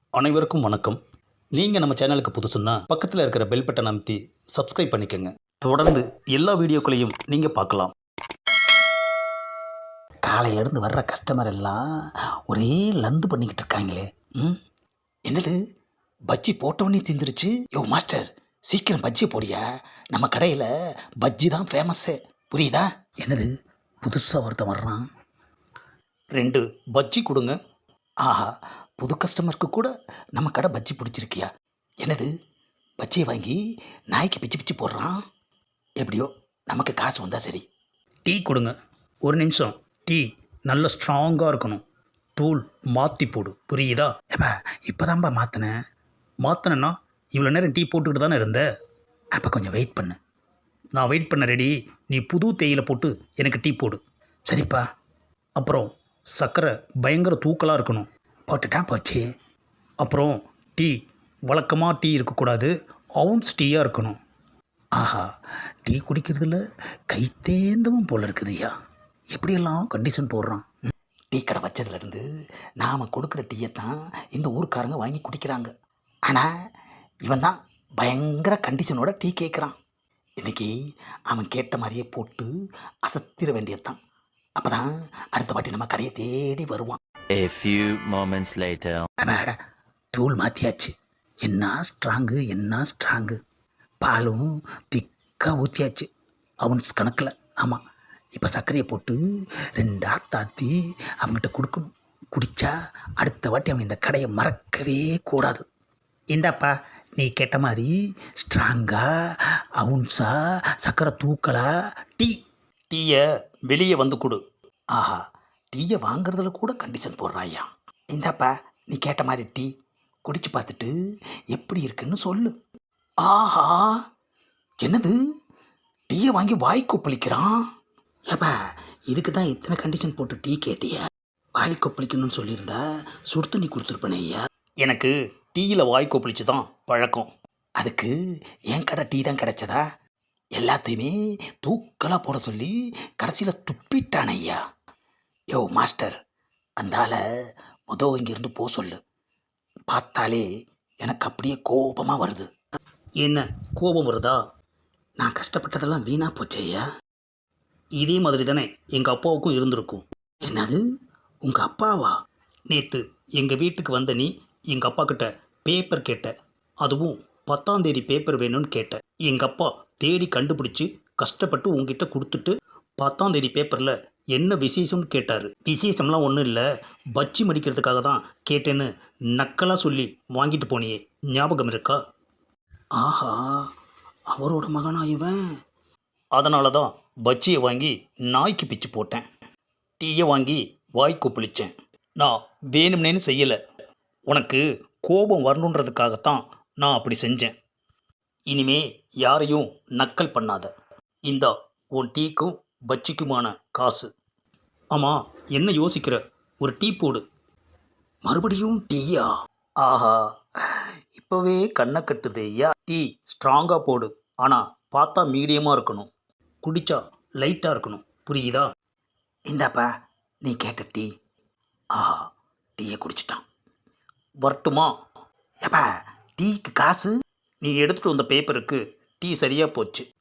அனைவருக்கும் வணக்கம். நீங்கள் நம்ம சேனலுக்கு புதுசுன்னா பக்கத்தில் இருக்கிற பெல் பட்டன் அமைத்தி சப்ஸ்கிரைப் பண்ணிக்கோங்க. தொடர்ந்து எல்லா வீடியோக்களையும் நீங்கள் பார்க்கலாம். காலையிலேருந்து வர்ற கஸ்டமர் எல்லாம் ஒரே லந்து பண்ணிக்கிட்டு இருக்காங்களே. என்னது பஜ்ஜி போட்டவொடனே திந்துருச்சு. யோ மாஸ்டர், சீக்கிரம் பஜ்ஜி போடியா. நம்ம கடையில் பஜ்ஜி தான் ஃபேமஸ்ஸே, புரியுதா? என்னது புதுசாக ஒருத்தன் வர்றான். 2 பஜ்ஜி கொடுங்க. ஆஹா, புது கஸ்டமருக்கு கூட நம்ம கடை பஜ்ஜி பிடிச்சிருக்கியா? என்னது பஜ்ஜியை வாங்கி நாய்க்கு பிச்சு பிச்சு போடுறான். எப்படியோ நமக்கு காசு வந்தால் சரி. டீ கொடுங்க. ஒரு நிமிஷம். டீ நல்ல ஸ்ட்ராங்காக இருக்கணும். தூள் மாற்றி போடு, புரியுதா? ஏப்பா இப்போதான்ப்பா மாற்றினேன். மாற்றினேன்னா இவ்வளோ நேரம் டீ போட்டுக்கிட்டு தானே இருந்த. அப்போ கொஞ்சம் வெயிட் பண்ணு. நான் வெயிட் பண்ண ரெடி. நீ புது தேயிலை போட்டு எனக்கு டீ போடு. சரிப்பா. அப்புறம் சர்க்கரை பயங்கர தூக்கலாக இருக்கணும். போட்டுட்டா போச்சு. அப்புறம் டீ வழக்கமாக டீ இருக்கக்கூடாது, அவுன்ஸ் டீயாக இருக்கணும். ஆஹா, டீ குடிக்கிறதுல கை தேந்தவும் போல இருக்குதுய்யா. எப்படியெல்லாம் கண்டிஷன் போடுறான். டீ கடை வச்சதுலேருந்து நாம் கொடுக்குற டீயை தான் இந்த ஊர்க்காரங்க வாங்கி குடிக்கிறாங்க. ஆனால் இவன் தான் பயங்கர கண்டிஷனோட டீ கேட்குறான். இன்றைக்கி அவன் கேட்ட மாதிரியே போட்டு அசத்திர வேண்டியதுதான். அப்போ தான் அடுத்த வாட்டி நம்ம கடையை தேடி வருவான். A few moments later. அட, தூள் மாற்றியாச்சு. என்ன ஸ்ட்ராங்கு, என்ன ஸ்ட்ராங்கு. பாலும் திக்காக ஊற்றியாச்சு அவன்ஸ் கணக்கில். ஆமாம், இப்போ சர்க்கரையை போட்டு 2 ஆத்தாத்தி அவங்ககிட்ட கொடுக்கணும். குடித்தா அடுத்த வாட்டி அவன் இந்த கடையை மறக்கவே கூடாது. இந்தாப்பா, நீ கேட்ட மாதிரி ஸ்ட்ராங்காக அவுன்ஸா சர்க்கரை தூக்கலா டீ. டீயை வெளியே வந்து கொடு. ஆஹா, டீயை வாங்குறதுல கூட கண்டிஷன் போடுறாயா. இந்தாப்பா, நீ கேட்ட மாதிரி டீ குடிச்சு பார்த்துட்டு எப்படி இருக்குன்னு சொல்லு. ஆஹா, என்னது டீயை வாங்கி வாய் கொப்பளிக்கிறான். ஏப்பா, இதுக்கு தான் இத்தனை கண்டிஷன் போட்டு டீ கேட்டிய. வாய் கொப்பளிக்கணும்னு சொல்லியிருந்தா சுடு தண்ணி கொடுத்துருப்பேனே ஐயா. எனக்கு டீயில் வாய் கொப்பளிச்சு தான் பழக்கம். அதுக்கு என் கடை டீ தான் கிடைச்சதா? எல்லாத்தையுமே தூக்கலாக போட சொல்லி கடைசியில் துப்பிட்டான் ஐயா. யோ மாஸ்டர், அந்தால இங்கேருந்து போ சொல்லு. பார்த்தாலே எனக்கு அப்படியே கோபமாக வருது. என்ன கோபம் வருதா? நான் கஷ்டப்பட்டதெல்லாம் வீணாக போச்சு ஐயா. இதே மாதிரி தானே எங்கள் அப்பாவுக்கும் இருந்திருக்கும். என்னது, உங்கள் அப்பாவா? நேற்று எங்கள் வீட்டுக்கு வந்த நீ எங்கள் அப்பா கிட்ட பேப்பர் கேட்ட. அதுவும் 10ஆம் தேதி பேப்பர் வேணும்னு கேட்ட. எங்கள் அப்பா தேடி கண்டுபிடிச்சி கஷ்டப்பட்டு உங்ககிட்ட கொடுத்துட்டு 10ஆம் தேதி பேப்பரில் என்ன விசேஷம்னு கேட்டார். விசேஷம்லாம் ஒன்றும் இல்லை, பஜ்ஜி மடிக்கிறதுக்காக தான் கேட்டேன்னு நக்கலாக சொல்லி வாங்கிட்டு போனியே, ஞாபகம் இருக்கா? ஆஹா, அவரோட மகனா இவன்? அதனால தான் பஜ்ஜியை வாங்கி நாய்க்கு பிச்சு போட்டேன். டீயை வாங்கி வாய் கொப்பளிச்சேன். நான் வேணும்னேன்னு செய்யலை, உனக்கு கோபம் வரணுன்றதுக்காகத்தான் நான் அப்படி செஞ்சேன். இனிமே யாரையும் நக்கல் பண்ணாத. இந்தா உன் டீக்கும் பஜ்ஜிக்குமான காசு. ஆமாம், என்ன யோசிக்கிற? ஒரு டீ போடு. மறுபடியும் டீயா? ஆஹா, இப்போவே கண்ணை கட்டுது ஐயா. டீ ஸ்ட்ராங்காக போடு, ஆனால் பார்த்தா மீடியமாக இருக்கணும். குடித்தா லைட்டாக இருக்கணும், புரியுதா? இந்தாப்பா, நீ கேட்ட டீ. ஆஹா, டீயை குடிச்சிட்டான். வரட்டுமா? ஏப்பா, டீக்கு காசு? நீ எடுத்துகிட்டு வந்த பேப்பருக்கு டீ சரியாக போச்சு.